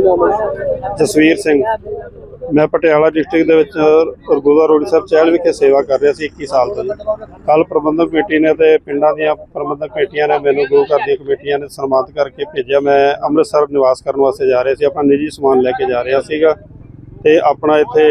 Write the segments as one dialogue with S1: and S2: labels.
S1: ਜਸਵੀਰ ਸਿੰਘ। मैं Patiala district रघुदा road साहब चहल विखे सेवा कर रहा 21 साल तो जी। कल प्रबंधक कमेटी ने तो पिंडा दी प्रबंधक कमेटियां ने मैंने गुरु घर दी कमेटियां ने सन्मानित करके भेजा। मैं अमृतसर निवास करने वास्ते जा रहे थे, अपना निजी समान लैके जा रहा सीगा ते अपना इत्थे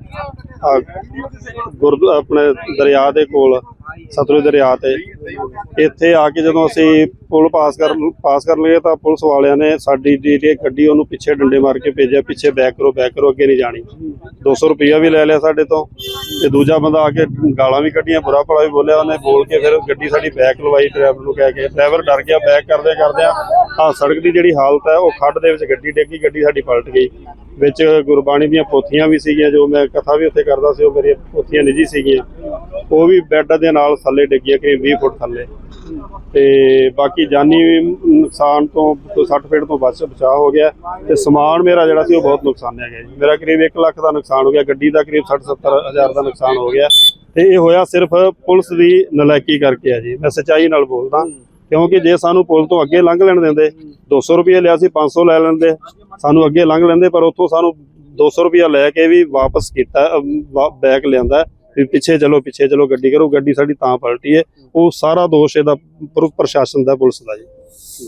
S1: अपने दरिया के कोल सतलुज दरिया ते इत्थे आके जदों असीं पुल पास कर लगे तो पुलिस वालियां ने साडी जी गड्डी उहनूं पिछे डंडे मार के भेजा, पिछे बैक करो अगे नहीं जानी। 200 रुपया भी लै लिया साडे तो ते दूजा बंदा आके गालां भी कड्डियां, बुरा भला भी बोलिया। उन्हें बोल के फिर गड्डी साडी बैक लवाई ड्राइवर नूं कह के। ड्राइवर डर गया, बैक करदे सड़क की जिहड़ी हालत है वो खड्ड दे विच गड्डी डिग्गी, गड्डी साडी पलट गई। विच गुरबाणी दीयां पोथियां भी सीगियां, जो मैं कथा भी उत्थे करदा सी, मेरी पोथियां निजी सीगियां, वो भी बैड दे नाल थल्ले डिग्गियां, करीब 20 फुट थल्ले। ते बाकी जानी नुकसान तो 60 फीट तो बचाव हो गया। ते समान मेरा जिहड़ा सी वो बहुत नुकसानिया गया जी। मेरा करीब 1 लाख का नुकसान हो गया, गड्डी का करीब 60-70 हज़ार का नुकसान हो गया। ते ये होया सिर्फ पुलिस की नलायकी करके है जी। मैं सच्चाई नाल बोलदा, क्योंकि जे सानू पुल तो अगे लंघ लैण देंदे, 200 रुपया लिया सी, 500 लै लैंदे, सानू अगे लंघ लैंदे, पर उत्थों सानू 200 रुपया लैके भी वापस किया, बैक लिया भी पिछे चलो गड्डी करो। गड्डी साडी तां पलटी है, वो सारा दोष इहदा प्रशासन दा, पुलिस दा जी।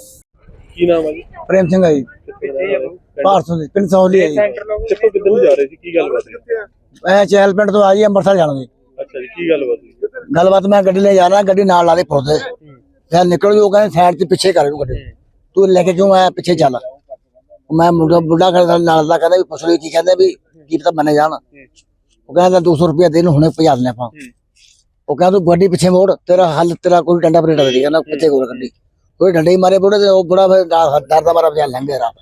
S2: की नाम है जी?
S3: प्रेम सिंह है जी, भारतों दी पिंड सौली है जी।
S2: कित्थों किद्धर जा रहे सी, की गलबात है?
S3: मैं चहल पिंड तो आ जी, अंमृतसर जाना जी।
S2: अच्छा जी, की गलबात?
S3: गलबात मैं गड्डी ले जा रहा, गड्डी नाल ला दे पुरदे, मैं निकल जो कहंदे साइड ते पिछे कर गड्डी, तू लेके क्यों आया, पिछे चल। मैं बुढ़ा खड़ा नाल दा कहंदा भी पुछ ली, की कहंदे भी की पता मने जान। वो कहंदा 200 रुपया दे, हुणे भजा देने आपां। वो कहंदा तू गड्डी पिछे मोड़, तेरा हल तेरा कोई डंडा परेटा दे, कहंदा पिछे कोल गड्डी, कोई डंडे ही मारे बुढ़े, वो बुढ़ा फिर डरदा मारा भजा लंघे रात।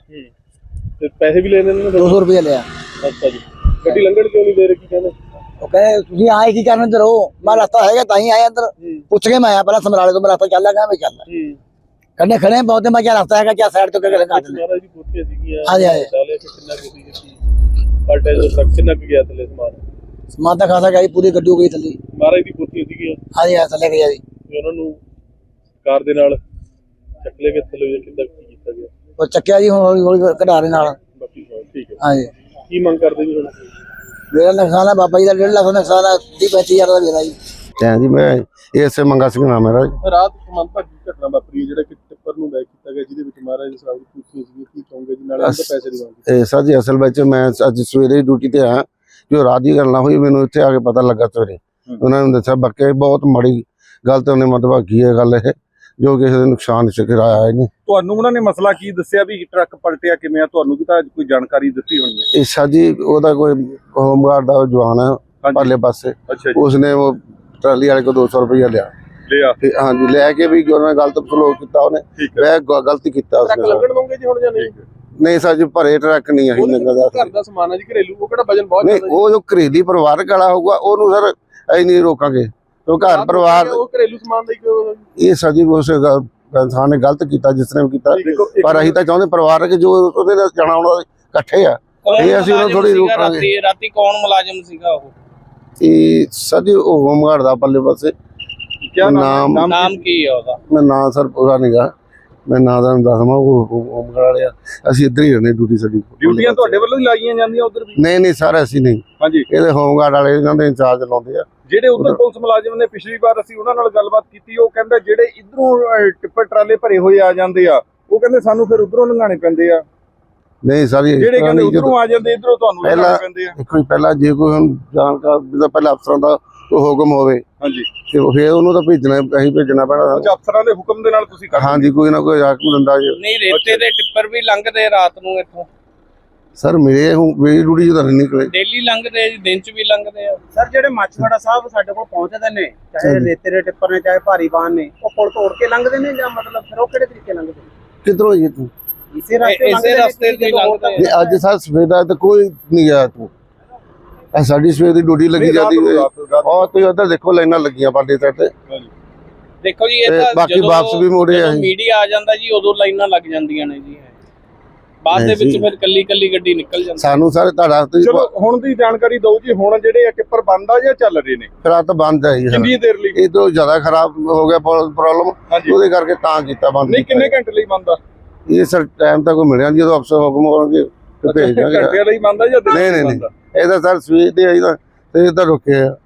S2: ते पैसे भी लेने ने?
S3: 200 रुपया लिया।
S2: अच्छा जी, गड्डी लंघण क्यों नहीं दे रहे, की कहंदे?
S3: वो कहे तुसीं आए की करन इधर हो, मैं रास्ता हैगा तां ही आया अंदर, पुछ के मैं आया पहला समराले तो। मैं रास्ता चल लगा, मैं चल कन्ने खड़े बहुत, मैं क्या रास्ता है क्या साइड तो क्या लगा दे।
S2: महाराज जी पोथियां सीगियां,
S3: हां जी हां
S2: डाले कि कितना गड्डी पलटे जो तक कितना गया थले
S3: समान दा खासा गई, पूरी गड्डी हो गई थल्ली।
S2: महाराज दी पोथियां सीगियां?
S3: हां जी हां, थल्ले गया जी।
S2: ਉਹਨਾਂ ਨੂੰ ਕਾਰ ਦੇ ਨਾਲ ਚੱਕ ਲੈ ਕੇ ਥੱਲੇ ਕਿੱਦਾਂ ਕੀ ਕੀਤਾ ਗਿਆ?
S3: ਉਹ ਚੱਕਿਆ ਜੀ, ਹੁਣ ਹੌਲੀ ਹੌਲੀ ਕਢਾ ਦੇ ਨਾਲ।
S2: ਬਾਕੀ ਠੀਕ ਹੈ।
S3: ਹਾਂ ਜੀ,
S2: ਕੀ ਮੰਗ ਕਰਦੇ ਜੀ ਹੁਣ?
S3: ਮੇਰਾ ਨੁਕਸਾਨ ਹੈ ਬਾਬਾ ਜੀ ਦਾ 1.5 ਲੱਖ ਦਾ ਨੁਕਸਾਨ ਹੈ, 30-35 ਹਜ਼ਾਰ ਦਾ ਮੇਰਾ ਜੀ।
S4: जी मैं इसे मंगा सिंह नाम है मेरा।
S2: ਰਾਤ ਮੰਦਭਾਗੀ ਘਟਨਾ ਵਾਪਰੀ ਜਿਹੜਾ ਕਿ ਟਿੱਪਰ ਨੂੰ ਬੈਕ ਕੀਤਾ ਗਿਆ, ਜਿਹਦੇ ਵਿੱਚ ਮਹਾਰਾਜ ਜੀ ਸਰਾਵ ਦੀ ਕੁੱਤੀ ਸੀ, ਕੀ ਕਹੋਗੇ ਜੀ? ਨਾਲੇ ਉਹਦੇ ਪੈਸੇ ਦੀ ਮੰਗ।
S4: सर जी असल में मैं अज सवेरे ड्यूटी ते आया, जो रात की गल ना हुई, मैंने इत्थे आके पता लगा सवेरे। उन्होंने दस्सिया बाकी बहुत माड़ी गल ते उन्हें मंदभागी है गल ये, जो किसी दे नुकसान च कराया है नहीं।
S2: ਤੁਹਾਨੂੰ ਉਹਨਾਂ ਨੇ ਮਸਲਾ ਕੀ ਦੱਸਿਆ ਵੀ ਟਰੱਕ ਪਲਟਿਆ ਕਿਵੇਂ ਆ? ਤੁਹਾਨੂੰ ਵੀ ਤਾਂ ਕੋਈ ਜਾਣਕਾਰੀ ਦਿੱਤੀ ਹੋਣੀ ਹੈ।
S4: इस जी ओदा कोई होमगार्ड का जवान है परले पासे,
S2: अच्छा
S4: उसने वो ट्राली वाले को 200 रुपया लिया। हाँ जी, लैके भी उन्होंने गलत सलूक किया, उन्हें गलती किया।
S2: ਲੱਗਣ ਦੋਗੇ ਜੀ ਹੁਣ ਜਾਂ ਨਹੀਂ?
S4: नहीं सर जी, भरे ट्रक नहीं है
S2: ਘਰ ਦਾ ਸਮਾਨ ਹੈ ਜੀ, ਘਰੇਲੂ, ਉਹ ਕਿਹੜਾ ਵਜਨ ਬਹੁਤ
S4: नहीं, वो जो घरेलू परिवारक वाला होगा ਉਹਨੂੰ सर ਅਸੀਂ नहीं रोकांगे, तो घर परिवार
S2: ਉਹ ਘਰੇਲੂ ਸਮਾਨ ਦਾ ਕਿਉਂ?
S4: ये सर जी उस इंसान ने गलत किया, जिसने भी किया, पर ਅਸੀਂ ਤਾਂ ਚਾਹੁੰਦੇ ਪਰਿਵਾਰਕ ਜੋ ਉਹਦੇ ਨਾਲ ਜਾਣਾ ਉਹਨਾਂ ਦੇ ਇਕੱਠੇ ਆ, ਇਹ ਅਸੀਂ ਉਹਨੂੰ ਥੋੜੀ ਰੋਕਾਂਗੇ।
S5: ਰਾਤੀ ਕੌਣ ਮੁਲਾਜ਼ਮ ਸੀਗਾ ਉਹ?
S4: ਇਹ ਸਰ ਜੀ ਉਹ ਹੋਮਗਾਰਡ ਦਾ ਪੱਲੇ ਪਾਸੇ।
S2: क्या
S5: नाम की है ਉਹਦਾ?
S4: मैं ना सर पूरा नहीं गा, मैं ना ਦਾ ਦੱਸਵਾਂ। ਉਹ ਹੋਮਗਾਰਡ ਵਾਲਿਆ ਅਸੀਂ ਇੱਧਰ ਹੀ ਰਹਿੰਦੇ, ਡਿਊਟੀ ਸਾਡੀ।
S2: ਡਿਊਟੀਆਂ ਤੁਹਾਡੇ ਵੱਲੋਂ ਹੀ ਲਾਈਆਂ ਜਾਂਦੀਆਂ ਉਧਰ ਵੀ?
S4: ਨਹੀਂ ਸਰ ਅਸੀਂ ਨਹੀਂ,
S2: ਹਾਂਜੀ
S4: ਇਹਦੇ ਹੋਮਗਾਰਡ ਵਾਲੇ ਇਹਨਾਂ ਦੇ ਇੰਚਾਰਜ ਲਾਉਂਦੇ ਆ।
S2: ਜਿਹੜੇ ਉਧਰ ਪੁਲਿਸ ਮੁਲਾਜ਼ਮ ਨੇ, ਪਿਛਲੀ ਵਾਰ ਅਸੀਂ ਉਹਨਾਂ ਨਾਲ ਗੱਲਬਾਤ ਕੀਤੀ, ਉਹ ਕਹਿੰਦੇ ਜਿਹੜੇ ਇਧਰੋਂ ਟਿੱਪਰ ਟਰਾਲੇ ਭਰੇ ਹੋਏ ਆ ਜਾਂਦੇ ਆ, ਉਹ ਕਹਿੰਦੇ ਸਾਨੂੰ ਫਿਰ ਉਧਰੋਂ ਲੰਘਾਣੇ ਪੈਂਦੇ ਆ।
S4: ਨਹੀਂ ਸਰ
S2: ਜਿਹੜੇ ਕਹਿੰਦੇ ਉਧਰੋਂ ਆ ਜਾਂਦੇ, ਇਧਰੋਂ ਤੁਹਾਨੂੰ ਲੰਘਾਣੇ ਪੈਂਦੇ ਆ।
S4: ਕੋਈ ਪਹਿਲਾਂ ਜੇ ਕੋਈ ਹੁਣ ਜਾਣਕਾਰ ਜਿਹਦਾ ਪਹਿਲਾਂ ਅਫਸਰਾਂ ਦਾ ਹੁਕਮ ਹੋਵੇ,
S2: ਹਾਂਜੀ,
S4: ਤੇ ਫਿਰ ਉਹਨੂੰ ਤਾਂ ਭੇਜਣਾ, ਅਸੀਂ ਭੇਜਣਾ ਪੈਣਾ।
S2: ਅਫਸਰਾਂ ਦੇ ਹੁਕਮ ਦੇ ਨਾਲ ਤੁਸੀਂ ਕਰਦੇ?
S4: ਹਾਂਜੀ, ਕੋਈ ਨਾ ਕੋਈ ਹੁਕਮ ਦਿੰਦਾ ਜੀ।
S5: ਨਹੀਂ, ਰੇਤੇ ਦੇ ਟਿੱਪਰ ਵੀ ਲੰਘਦੇ ਰਾਤ ਨੂੰ ਇੱਥੋਂ?
S4: ਸਰ ਮੇਰੀ ਡਿਊਟੀ ਚ ਤਾਂ ਨਹੀਂ ਨਿਕਲੇ,
S5: ਡੇਲੀ ਲੰਘਦੇ ਆ ਜੀ, ਦਿਨ ਚ ਵੀ ਲੰਘਦੇ ਆ।
S6: ਸਰ ਜਿਹੜੇ ਮਾਛੀਵਾੜਾ ਸਾਹਿਬ ਸਾਡੇ ਕੋਲ ਪਹੁੰਚਦੇ ਨੇ, ਚਾਹੇ ਰੇਤੇ ਦੇ ਟਿੱਪਰ ਨੇ ਚਾਹੇ ਭਾਰੀ ਵਾਹਨ ਨੇ, ਉਹ ਪੁਲ ਤੋੜ ਕੇ ਲੰਘਦੇ ਨੇ ਜਾਂ ਮਤਲਬ ਫਿਰ ਉਹ ਕਿਹੜੇ ਤਰੀਕੇ ਲੰਘਦੇ ਨੇ?
S4: ਕਿੱਧਰੋਂ ਜੀ ਤੂੰ?
S6: ਇਸੇ ਰਸਤੇ
S5: ਤੇ ਲੰਘਦੇ ਆ।
S4: ਅੱਜ ਸਰ ਸਵੇਰ ਤਾਂ ਕੋਈ ਨਹੀਂ ਗਿਆ ਤੂੰ, ਸਾਡੀ ਸਵੇਰ ਦੀ ਡਿਊਟੀ ਲੱਗੀ ਜਾਂਦੀ ਹੈ। ਔਰ ਤੁਸੀਂ ਉੱਧਰ ਦੇਖੋ ਲਾਈਨਾਂ ਲੱਗੀਆਂ ਪਾਲੇ ਸਾਈਡ ਤੇ।
S5: ਦੇਖੋ ਜੀ, ਇਹ ਤਾਂ
S4: ਬਾਕੀ ਵਾਪਸ ਵੀ ਮੋੜੇ ਆ।
S5: ਮੀਡੀਆ ਆ ਜਾਂਦਾ ਜੀ, ਉਦੋਂ ਲਾਈਨਾਂ ਲੱਗ ਜਾਂਦੀਆਂ ਨੇ ਜੀ, ਬਾਅਦ ਦੇ ਵਿੱਚ ਫਿਰ ਕੱਲੀ ਕੱਲੀ ਗੱਡੀ ਨਿਕਲ ਜਾਂਦੀ।
S4: ਸਾਨੂੰ ਸਾਰੇ ਤੁਹਾਡਾ
S2: ਚਲੋ ਹੁਣ ਦੀ ਜਾਣਕਾਰੀ ਦਿਓ ਜੀ, ਹੁਣ ਜਿਹੜੇ ਟਿੱਪਰ ਬੰਦ ਆ ਜਾਂ ਚੱਲ ਰਹੇ ਨੇ?
S4: ਫਿਰ ਤਾਂ ਬੰਦ ਹੈ ਜੀ।
S2: ਕਿੰਨੀ ਦੇਰ ਲਈ?
S4: ਇਹ ਤੋਂ ਜ਼ਿਆਦਾ ਖਰਾਬ ਹੋ ਗਿਆ ਪ੍ਰੋਬਲਮ, ਉਹਦੇ ਕਰਕੇ ਤਾਂ ਕੀਤਾ ਬੰਦ।
S2: ਨਹੀਂ, ਕਿੰਨੇ ਘੰਟੇ ਲਈ ਬੰਦ ਆ?
S4: ਇਹ ਸਰ ਟਾਈਮ ਤਾਂ ਕੋਈ ਮਿਲਿਆ ਨਹੀਂ, ਜਦੋਂ ਅਫਸਰ ਹੁਕਮ ਕਰਨਗੇ ਤੇ ਭੇਜ ਦਾਂਗੇ।
S2: ਘੰਟੇ ਲਈ ਬੰਦਾ ਜਾਂ ਦਿਨ
S4: ਨਹੀਂ
S2: ਲਈ
S4: ਨਹੀਂ
S2: ਬੰਦਾ?
S4: ਇਹਦਾ ਸਰ ਸਵੇਰ ਦੇ ਆਈ ਤਾਂ ਤੇ ਇਹ ਤਾਂ ਰੁਕਿਆ